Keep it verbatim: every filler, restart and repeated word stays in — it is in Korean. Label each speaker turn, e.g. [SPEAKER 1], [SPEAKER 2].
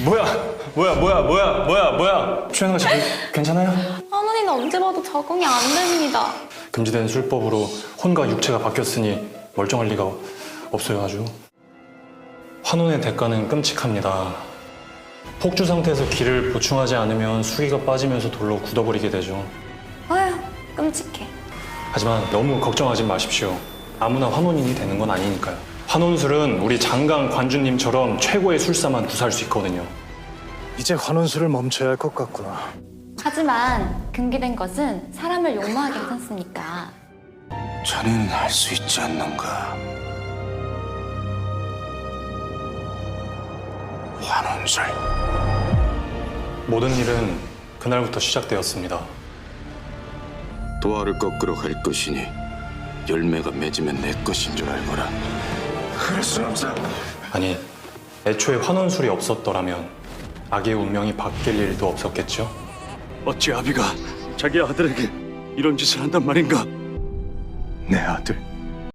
[SPEAKER 1] 뭐야? 뭐야? 뭐야? 뭐야? 뭐야? 뭐야? 최현아 씨 괜찮아요?
[SPEAKER 2] 환원이는 언제 봐도 적응이 안 됩니다.
[SPEAKER 1] 금지된 술법으로 혼과 육체가 바뀌었으니 멀쩡할 리가 없어요, 아주. 환원의 대가는 끔찍합니다. 폭주 상태에서 기를 보충하지 않으면 수기가 빠지면서 돌로 굳어버리게 되죠.
[SPEAKER 2] 아휴, 끔찍해.
[SPEAKER 1] 하지만 너무 걱정하지 마십시오. 아무나 환원인이 되는 건 아니니까요. 환원술은 우리 장강 관주님처럼 최고의 술사만 구사할 수 있거든요.
[SPEAKER 3] 이제 환원술을 멈춰야 할 것 같구나.
[SPEAKER 2] 하지만 금기된 것은 사람을 욕망하게 하지 않습니까?
[SPEAKER 4] 자네는 할 수 있지 않는가? 환원술.
[SPEAKER 1] 모든 일은 그날부터 시작되었습니다.
[SPEAKER 4] 도화를 꺾으러 갈 것이니 열매가 맺으면 내 것인 줄 알거라. 그럴 순 없어.
[SPEAKER 1] 아니, 애초에 환원술이 없었더라면 악의 운명이 바뀔 일도 없었겠죠?
[SPEAKER 5] 어찌 아비가 자기 아들에게 이런 짓을 한단 말인가?
[SPEAKER 4] 내 아들.